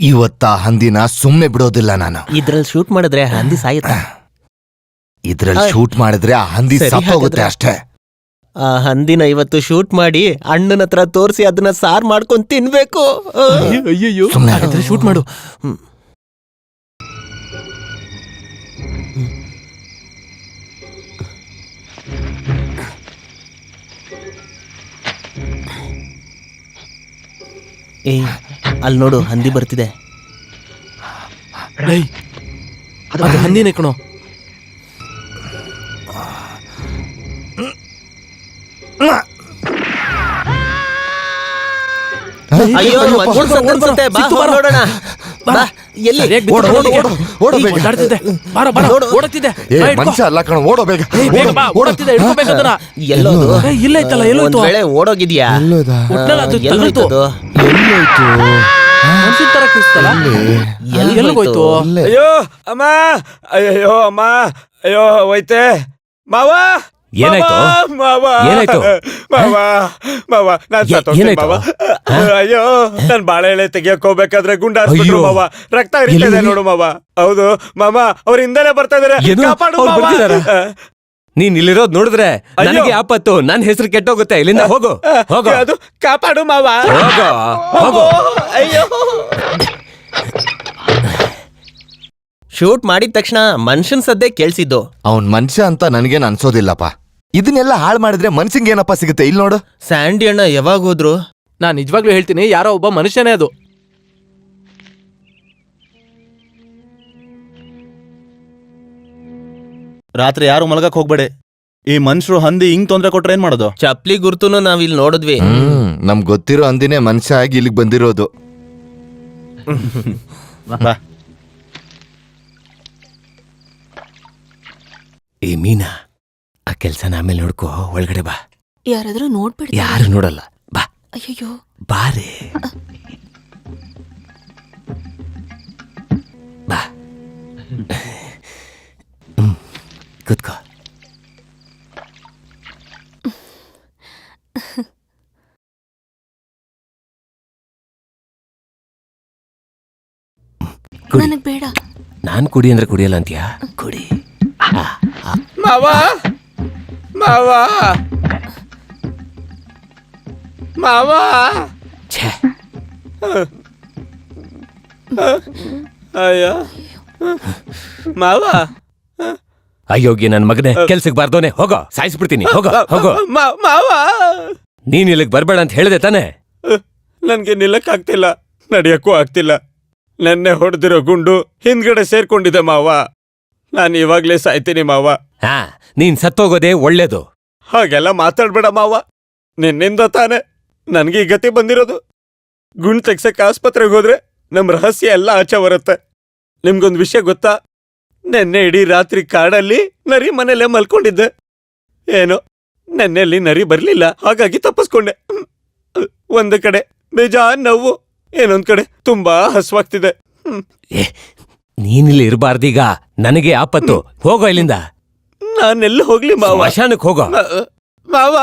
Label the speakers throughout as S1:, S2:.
S1: ಇವತ್ತ ಹಂದಿನ ಸುಮ್ನೆ ಬಿಡೋದಿಲ್ಲ ನಾನು.
S2: ಇದ್ರಲ್ಲಿ ಶೂಟ್ ಮಾಡಿದ್ರೆ ಹಂದಿ ಸಾಯುತ್ತೆ.
S1: ಇದ್ರಲ್ಲಿ ಶೂಟ್ ಮಾಡಿದ್ರೆ ಆ ಹಂದಿ ಸತ್ತೋಗುತ್ತೆ ಅಷ್ಟೇ.
S2: ಆ ಹಂದಿನ ಇವತ್ತು ಶೂಟ್ ಮಾಡಿ ಅಣ್ಣನ ಹತ್ರ ತೋರಿಸಿ ಅದನ್ನ ಸಾರ್ ಮಾಡ್ಕೊಂಡ್ ತಿನ್ಬೇಕು.
S3: ಅಯ್ಯಯ್ಯೋ, ಶೂಟ್ ಮಾಡು.
S2: ಏ ಅಲ್ಲಿ ನೋಡು, ಹಂದಿ ಬರ್ತಿದೆ.
S3: ಅದು ಹಂದಿನೇ ಕಣೋ.
S2: ಅಯ್ಯೋ, ಅನ್ಸುತ್ತೆ. ಬಾ ನೋಡೋಣ.
S1: ಮನುಷ್ಯ ಅಲ್ಲ ಕಣ, ಓಡೋ ಬೇಗ.
S2: ಇಲ್ಲ ಇತ್ತಲ್ಲ, ಓಡೋಗಿದ್ಯಾ?
S3: ಎಲ್ಲೋಯ್ತು?
S4: ಅಯ್ಯೋ ಅಮ್ಮ, ಅಯ್ಯೋ ಅಮ್ಮ, ಅಯ್ಯೋ ಹೋಯ್ತೆ ಮಾವ.
S5: ಏನಾಯ್ತು?
S4: ಏನಾಯ್ತು ಮಾವ? ಮಾವ ನಾನ್ ಸತ್ತೋಗ್ತೀನಿ ಮಾವ. ಅಯ್ಯೋ ನನ್ ಬಾಳೆ ಎಳೆ ತೆಗಿಯಕ್ ಹೋಗ್ಬೇಕಾದ್ರೆ ಗುಂಡಾರ್ಸ್ಬಿಟ್ರು ಮಾವ. ರಕ್ತ ಹರಿತಿದೆ ನೋಡು ಮಾವ. ಹೌದು ಮಾವ, ಅವ್ರ ಹಿಂದೆನೆ ಬರ್ತಾ ಇದಾರೆ. ಕಾಪಾಡು ಮಾವ.
S5: ನೀನ್ ಇಲ್ಲಿರೋದ್ ನೋಡಿದ್ರೆ ನನಗೆ ಆಪತ್ತು. ನನ್ ಹೆಸರು ಕೆಟ್ಟೋಗುತ್ತೆ. ಇಲ್ಲಿಂದ ಹೋಗು, ಹೋಗು.
S4: ಅದು ಕಾಪಾಡು ಮಾವ.
S5: ಹೋಗು.
S4: ಅಯ್ಯೋ,
S2: ಶೂಟ್ ಮಾಡಿದ ತಕ್ಷಣ ಮನುಷ್ಯನ್ ಸದ್ದೆ ಕೇಳ್ಸಿದ್ದು.
S1: ಅವನ್ ಮನುಷ್ಯ ಅಂತ ನನ್ಗೇನ್ ಅನ್ಸೋದಿಲ್ಲಪ್ಪ. ಇದನ್ನೆಲ್ಲ ಹಾಳು ಮಾಡಿದ್ರೆ ಮನ್ಸಿಂಗ್ ಏನಪ್ಪ ಸಿಗುತ್ತೆ? ಇಲ್ಲಿ ನೋಡು,
S2: ಸ್ಯಾಂಡಿ ಅಣ್ಣ ಯಾವಾಗ ಹೋದ್ರು?
S3: ನಾನ್ ನಿಜವಾಗ್ಲೂ ಹೇಳ್ತೀನಿ, ಯಾರೋ ಒಬ್ಬ ಮನುಷ್ಯನೇ ಅದು.
S6: ರಾತ್ರಿ ಯಾರು ಮಲಗಕ್ ಹೋಗ್ಬೇಡಿ. ಈ ಮನುಷ್ಯರು ಹಂದಿ ಹಿಂಗ್ ತೊಂದ್ರೆ ಕೊಟ್ರೆ ಏನ್ ಮಾಡೋದು?
S2: ಚಪ್ಲಿ ಗುರ್ತುನು ನಾವ್ ಇಲ್ಲಿ ನೋಡಿದ್ವಿ.
S1: ನಮ್ಗ್ ಗೊತ್ತಿರೋ ಹಂದಿನೇ ಮನುಷ್ಯ ಆಗಿ ಇಲ್ಲಿಗೆ ಬಂದಿರೋದು.
S6: ಬಾ.
S5: ಏ ಮೀನಾ, ಆ ಕೆಲ್ಸನ ಆಮೇಲೆ ನೋಡ್ಕೋ. ಒಳಗಡೆ ಬಾ.
S7: ಯಾರಾದ್ರೂ ನೋಡ್ಬಿಡ್ತಾರೆ.
S5: ಯಾರು ನೋಡಲ್ಲ. ಬಾ.
S7: ಅಯ್ಯೋ
S5: ಬಾರೆ. ಬಾ. ಕೂತ್ಕೋ.
S7: ನನಗ್ ಬೇಡ.
S5: ನಾನ್ ಕುಡಿ ಅಂದ್ರೆ ಕುಡಿಯಲ್ಲ ಅಂತೀಯಾ? ಕುಡಿ.
S4: ಮಾವ ಮಾವ ಮಾವ. ಅಯ್ಯ ಮಾವ.
S5: ಅಯ್ಯೋಗಿ ನನ್ ಮಗನೇ, ಕೆಲ್ಸಕ್ ಬಾರ್ದೋನೆ. ಹೋಗೋ, ಸಾಯಿಸ್ಬಿಡ್ತೀನಿ. ಹೋಗೋ ಹೋಗೋ.
S4: ಮಾವ,
S5: ನೀನ್ ಇಲ್ಲಿಗೆ ಬರ್ಬೇಡ ಅಂತ ಹೇಳ್ದೆ ತಾನೆ?
S4: ನನ್ಗೆ ನಿಲ್ಲಕ್ ಆಗ್ತಿಲ್ಲ, ನಡಿಯಕ್ಕೂ ಆಗ್ತಿಲ್ಲ. ನೆನ್ನೆ ಹೊಡೆದಿರೋ ಗುಂಡು ಹಿಂದ್ಗಡೆ ಸೇರ್ಕೊಂಡಿದೆ ಮಾವ. ನಾನು ಇವಾಗ್ಲೇ ಸಾಯ್ತೀನಿ ಮಾವ.
S5: ಹಾ, ನೀನ್ ಸತ್ತೋಗೋದೇ ಒಳ್ಳೇದು.
S4: ಹಾಗೆಲ್ಲ ಮಾತಾಡ್ಬೇಡ ಮಾವ. ನಿನ್ನಿಂದ ತಾನೆ ನನ್ಗೆ ಈ ಗತಿ ಬಂದಿರೋದು. ಗುಂಡ್ ತೆಗ್ಸಕ್ ಆಸ್ಪತ್ರೆಗೆ ಹೋದ್ರೆ ನಮ್ ರಹಸ್ಯ ಎಲ್ಲ ಆಚೆ ಬರುತ್ತೆ. ನಿಮ್ಗೊಂದ್ ವಿಷಯ ಗೊತ್ತಾ? ನೆನ್ನೆ ಇಡೀ ರಾತ್ರಿ ಕಾಡಲ್ಲಿ ನರಿ ಮನೇಲೆ ಮಲ್ಕೊಂಡಿದ್ದೆ. ಏನೋ ನೆನ್ನೆಲ್ಲಿ ನರಿ ಬರ್ಲಿಲ್ಲ, ಹಾಗಾಗಿ ತಪ್ಪಿಸ್ಕೊಂಡೆ. ಒಂದು ಕಡೆ ಬೇಜಾನ್ ನೋವು, ಏನೊಂದ್ ಕಡೆ ತುಂಬಾ ಹಸುವಾಗ್ತಿದೆ.
S5: ನೀನಿಲ್ಲಿ ಇರಬಾರ್ದೀಗ. ನನಗೆ ಆಪತ್ತು. ಹೋಗೋ ಇಲ್ಲಿಂದ.
S4: ನಾನೆಲ್ಲ ಹೋಗ್ಲಿ ಮಾವ?
S5: ಸ್ಮಶಾನಕ್ಕೆ ಹೋಗೋ.
S4: ಮಾವ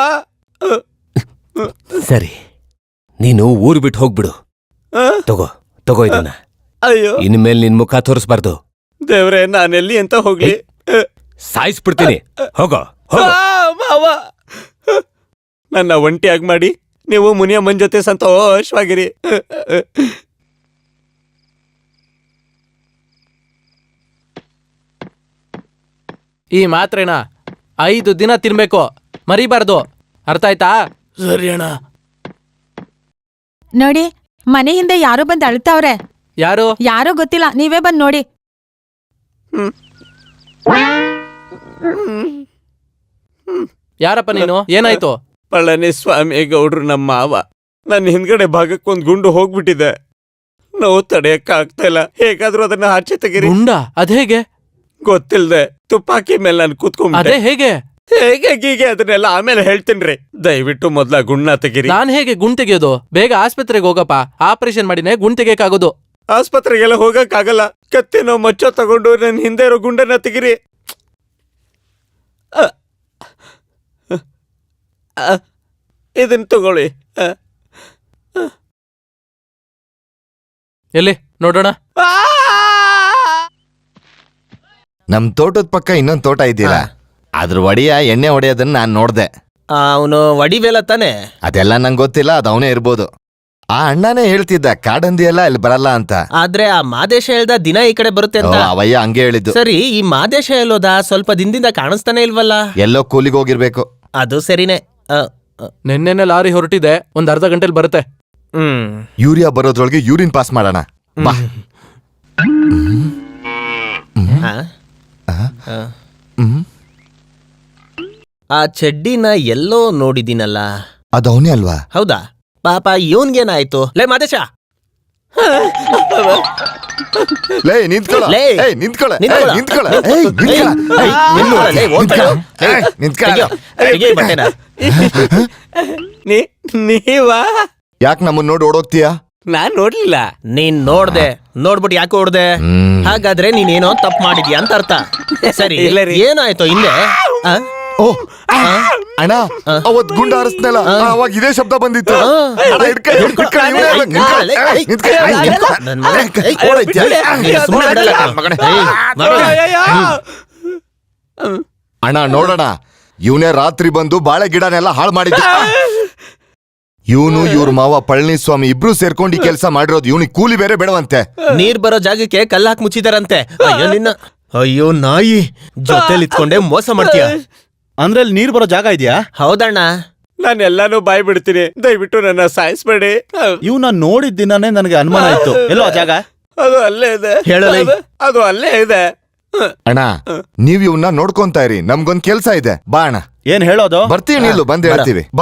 S5: ಸರಿ, ನೀನು ಊರು ಬಿಟ್ಟು ಹೋಗ್ಬಿಡು. ತಗೋ ಇದನ್ನ.
S4: ಅಯ್ಯೋ,
S5: ಇನ್ಮೇಲೆ ನಿನ್ ಮುಖ ತೋರಿಸ್ಬಾರ್ದು.
S4: ದೇವ್ರೆ, ನಾನೆಲ್ಲಿ ಅಂತ ಹೋಗ್ಲಿ?
S5: ಸಾಯಿಸ್ಬಿಡ್ತೀನಿ. ಹೋಗೋ.
S4: ಮಾವ, ನನ್ನ ಒಂಟಿಯಾಗಿ ಮಾಡಿ ನೀವು ಮುನಿಯಮ್ಮನ್ ಜೊತೆ ಸಂತೋಷವಾಗಿರಿ.
S3: ಈ ಮಾತ್ರೆನ 5 ದಿನ ತಿನ್ಬೇಕು, ಮರಿಬಾರ್ದು. ಅರ್ಥ ಆಯ್ತಾ? ಸರಿ ಅಣ್ಣ.
S7: ನೋಡಿ, ಮನೆ ಹಿಂದೆ ಯಾರೋ ಬಂದ್ ಅಳ್ತಾವ್ರೆ. ಯಾರೋ ಗೊತ್ತಿಲ್ಲ, ನೀವೇ ಬಂದ್ ನೋಡಿ.
S3: ಯಾರಪ್ಪ ನೀನು? ಏನಾಯ್ತು?
S4: ಪಳನಿಸ್ವಾಮಿ ಗೌಡ್ರು ನಮ್ಮ ಮಾವ. ನನ್ನ ಹಿಂದ್ಗಡೆ ಭಾಗಕ್ಕೊಂದ್ ಗುಂಡು ಹೋಗ್ಬಿಟ್ಟಿದೆ. ನೋವು ತಡೆಯಕ್ಕ ಆಗ್ತಾ ಇಲ್ಲ. ಹೇಗಾದ್ರೂ ಅದನ್ನ ಆಚೆ ತೆಗೀರಿ.
S3: ಗುಂಡ? ಅದೇಗೆ?
S4: ಗೊತ್ತಿಲ್ದೆ ತುಪ್ಪಾಕಿ ಮೇಲೆ ನಾನು ಕೂತ್ಕೊಂಡ್ಬಿಟ್ಟೆ.
S3: ಅದೇ ಹೇಗೆ?
S4: ಗೀಗೆ ಅದನ್ನೆಲ್ಲ ಆಮೇಲೆ ಹೇಳ್ತೀನ್ರಿ. ದಯವಿಟ್ಟು ಮೊದ್ಲ ಗುಂಡ್ನ ತೆಗೀರಿ.
S3: ನಾನ್ ಹೇಗೆ ಗುಂಡ್ ತೆಗಿಯೋದು? ಬೇಗ ಆಸ್ಪತ್ರೆಗೆ ಹೋಗಪ್ಪ. ಆಪರೇಷನ್ ಮಾಡಿನೇ ಗುಂಡ್ ತೆಗಿಯಕ್ಕಾಗೋದು.
S4: ಆಸ್ಪತ್ರೆಗೆಲ್ಲ ಹೋಗಕ್ಕಾಗಲ್ಲ. ಕತ್ತಿನೋ ಮಚ್ಚೋ ತಗೊಂಡು ನನ್ನ ಹಿಂದೆ ಇರೋ ಗುಂಡನ್ನ ತೆಗೀರಿ. ಇದನ್ನ ತಗೊಳ್ಳಿ.
S3: ಎಲ್ಲಿ ನೋಡೋಣ.
S1: ನಮ್ ತೋಟದ ಪಕ್ಕ ಇನ್ನೊಂದ್ ತೋಟ ಇದೆಯಲ್ಲ, ಅದ್ರ ಒಡೆಯ ಎಣ್ಣೆ ಹೊಡೆಯೋದನ್ನ ನಾನ್ ನೋಡ್ದೆ.
S2: ಅವನು ವಡಿವೇಲ ತಾನೆ.
S1: ಅದೆಲ್ಲ ನಂಗೆ ಗೊತ್ತಿಲ್ಲ, ಅದು ಅವನೇ ಇರ್ಬೋದು. ಆ ಅಣ್ಣನೇ ಹೇಳ್ತಿದ್ದ ಕಾಡಂದಿ ಎಲ್ಲ ಇಲ್ಲಿ ಬರಲ್ಲ ಅಂತ.
S2: ಆದ್ರೆ ಆ ಮಾದೇಶ ಹೇಳ್ದ ದಿನ ಈ ಕಡೆ ಬರುತ್ತೆ ಅಂತ.
S1: ಅವಯ್ಯ ಹಂಗೆ ಹೇಳಿದ್ದು.
S2: ಸರಿ, ಈ ಮಾದೇಶ ಹೇಳೋದ ಸ್ವಲ್ಪ ದಿನದಿಂದ ಕಾಣಿಸ್ತಾನೆ ಇಲ್ವಲ್ಲ?
S1: ಎಲ್ಲೋ ಕೂಲಿಗೆ ಹೋಗಿರ್ಬೇಕು.
S2: ಅದು ಸರಿನೇ.
S3: ನಿನ್ನೆನೆ ಲಾರಿ ಹೊರಟಿದೆ, ಒಂದ್ ಅರ್ಧ ಗಂಟೆಲಿ ಬರುತ್ತೆ.
S1: ಯೂರಿಯಾ ಬರೋದ್ರೊಳಗೆ ಯೂರಿನ್ ಪಾಸ್ ಮಾಡೋಣ ಬಾ.
S2: ಆ ಚಡ್ಡಿನ ಎಲ್ಲೋ ನೋಡಿದೀನಲ್ಲ.
S1: ಅದು ಅವನೇ ಅಲ್ವಾ?
S2: ಹೌದಾ? ಪಾಪ ಇವನ್ಗೇನಾಯ್ತು? ಲೇ ಮಾದೇಶ,
S1: ಲೇ ನಿಂತ್ಕೊಳ್ಳ,
S2: ಲೇ,
S1: ನಿಂತ್ಕೊಳ್ಳ,
S2: ನಿಂತ್ಕೊಳ್ಳ.
S1: ನಿಂತ್ಕೊಳ್ಳ,
S2: ಲೇ, ಹೋಗ್ಬೇಡ.
S1: ನಿಂತ್ಕೊಳ್ಳ.
S2: ತೆಗಿ ಈ ಬಟ್ಟೆನ.
S4: ನೀವಾ?
S1: ಯಾಕೆ ನಮ್ಮನ್ನ ನೋಡಿ ಓಡೋಗ್ತೀಯಾ?
S4: ನಾನ್ ನೋಡ್ಲಿಲ್ಲ.
S2: ನೀನ್ ನೋಡ್ದೆ, ನೋಡ್ಬಿಟ್ಟು ಯಾಕೆ ಹೊಡ್ದೆ? ಹಾಗಾದ್ರೆ ನೀನೇನೋ ತಪ್ಪು ಮಾಡಿದ್ಯಾ ಅಂತ ಅರ್ಥ. ಸರಿ,
S4: ಇಲ್ಲ ರೀ.
S2: ಏನಾಯ್ತು ಹಿಂದೆ?
S1: ಓ ಅಣ್ಣ, ಅವತ್ ಗುಂಡ ಹಾರಿಸ್ನಲ್ಲ, ಅವಾಗ ಇದೇ ಶಬ್ದ ಬಂದಿತ್ತು. ಅಣ್ಣ, ಹಿಡ್ಕೊಳ್ಳಿ, ಹಿಡ್ಕೊಳ್ಳಿ, ಇವನೇ ಅಲ್ಲ, ನಿಂತ್ಕೊಳ್ಳಿ. ನಿಂತ್ಕೊಳ್ಳಿ.
S2: ನನ್ ಮಗ, ಏಯ್, ಓಡೋಯ್ತ್ಯಾ? ನೀನ್ ಸುಮ್ನೆ ಬಿಡಲ್ಲ ಕಣೋ. ಏಯ್, ಮಾಡು.
S1: ಅಣ್ಣ ನೋಡೋಣ, ಇವನೇ ರಾತ್ರಿ ಬಂದು ಬಾಳೆ ಗಿಡನೆಲ್ಲ ಹಾಳು ಮಾಡಿದ್ದ. ಇವನು ಇವ್ರ ಮಾವ ಪಳನಿಸ್ವಾಮಿ ಇಬ್ರು ಸೇರ್ಕೊಂಡು ಈ ಕೆಲಸ ಮಾಡಿರೋದು. ಇವನಿಗೆ ಕೂಲಿ ಬೇರೆ ಬೇಡವಂತೆ.
S2: ನೀರ್ ಬರೋ ಜಾಗಕ್ಕೆ ಕಲ್ಲು ಹಾಕಿ ಮುಚ್ಚಿದಾರಂತೆ. ಅಯ್ಯೋ ನಿನ್ನ, ಅಯ್ಯೋ ನಾಯಿ, ಜೊತೆಲಿ ಇತ್ಕೊಂಡೆ ಮೋಸ ಮಾಡ್ತೀಯ.
S6: ಅಂದ್ರೆ ಅಲ್ಲಿ ನೀರ್ ಬರೋ ಜಾಗ ಇದೆಯಾ?
S2: ಹೌದಣ್ಣ.
S4: ನಾನು ಎಲ್ಲಾನು ಬಾಯ್ ಬಿಡ್ತೀನಿ, ದಯವಿಟ್ಟು ನನ್ನ ಸಾಯಿಸ್ಬೇಡಿ.
S6: ಇವ್ನ ನೋಡಿದ ದಿನಾನೇ ನನಗೆ ಅನುಮಾನ ಇತ್ತು. ಎಲ್ಲೋ ಆ ಜಾಗ?
S4: ಅದು ಅಲ್ಲೇ ಇದೆ.
S2: ಹೇಳಲೇ.
S4: ಅದು ಅಲ್ಲೇ ಇದೆ.
S1: ಅಣ್ಣ, ನೀವ್ ಇವನ್ನ ನೋಡ್ಕೊಂತಾ ಇರಿ, ನಮ್ಗೊಂದ್ ಕೆಲ್ಸ ಇದೆ. ಬಾ ಅಣ್ಣ.
S6: ಏನ್ ಹೇಳೋದು?
S1: ಬರ್ತೀವಿ, ನಿಲ್ಲು, ಬಂದ್ ಹೇಳ್ತೀವಿ. ಬಾ.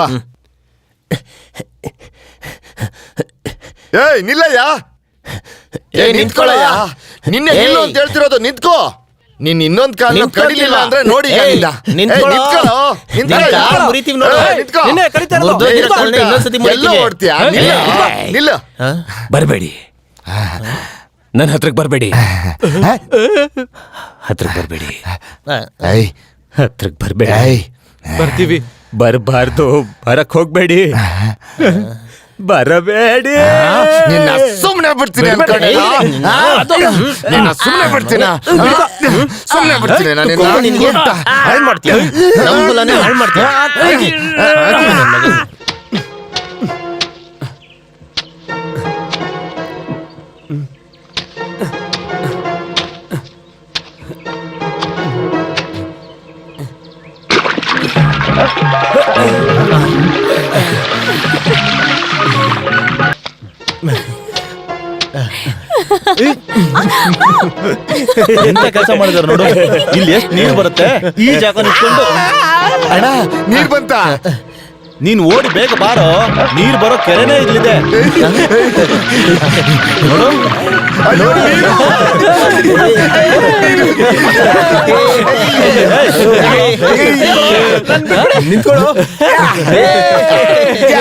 S1: ಏಯ್ ನಿಲ್ಲಯ್ಯ, ನಿಂತ್ಕೊಳ್ಳಯ್ಯ. ನಿನ್ನೆ ನಿಲ್ಲು ಅಂತ ಹೇಳ್ತಿರೋದು, ನಿಂತ್ಕೋ. ನೀನ್ ಇನ್ನೊಂದ್ ಕಾಲ ಕಡಿಲಿಲ್ಲ ಅಂದ್ರೆ ನೋಡಿ.
S2: ನಿಂತ್ಕೊಳ್ಳೋ. ಮುರಿತೀವಿ ನೋಡು.
S3: ನಿನ್ನೆ ಕಡಿತಾ ಇರೋದು.
S2: ಮುರ್ದೋಗಿರೋ ಕಾಲ್ನ ಇನ್ನೊಂದ್ಸತಿ ಮುರಿತೀವಿ.
S1: ನಿಲ್ಲ.
S5: ಬರ್ಬೇಡಿ, ನನ್ನ ಹತ್ರಕ್ ಬರ್ಬೇಡಿ, ಹತ್ರಕ್ ಬರ್ಬೇಡಿ, ಹತ್ರಕ್ ಬರ್ಬೇಡಿ.
S3: ಬರ್ತೀವಿ.
S5: ಬರ್ಬಾರ್ದು, ಬರಕ್ ಹೋಗ್ಬೇಡಿ, ಬರಬೇಡಿ.
S1: ನಿನ್ನ ಸುಮ್ನೆ ಬಿಡ್ತೀನಿ ಅನ್ಕೊಂಡೆ. ನಿನ್ನ ಸುಮ್ನೆ ಬಿಡ್ತೀನ, ಸುಮ್ನೆ ಬಿಡ್ತೀನಿ
S2: ನಿನ್ಗೆ ಹಾಳ್ ಮಾಡ್ತೀಯ, ನಮ್ ಹೊಲನೇ ಹಾಳ್ ಮಾಡ್ತೀಯ.
S6: ಎಂತ ಕೆಲಸ ಮಾಡಿದಾರೆ ನೋಡು. ಇಲ್ಲಿ ಎಷ್ಟು ನೀರು ಬರುತ್ತೆ, ಈ ಜಾಗ ನಿಂತ್ಕೊಂಡು.
S1: ಅಣ್ಣ, ನೀರ್ ಬಂತ?
S6: ನೀನ್ ಓಡಿ ಬೇಗ ಬಾರೋ, ನೀರ್ ಬರೋ ಕೆರೆನೇ ಇಲ್ಲಿದೆ ನೋಡು.
S2: ನಿಂತ್ಕೊಳ್ಳೋ.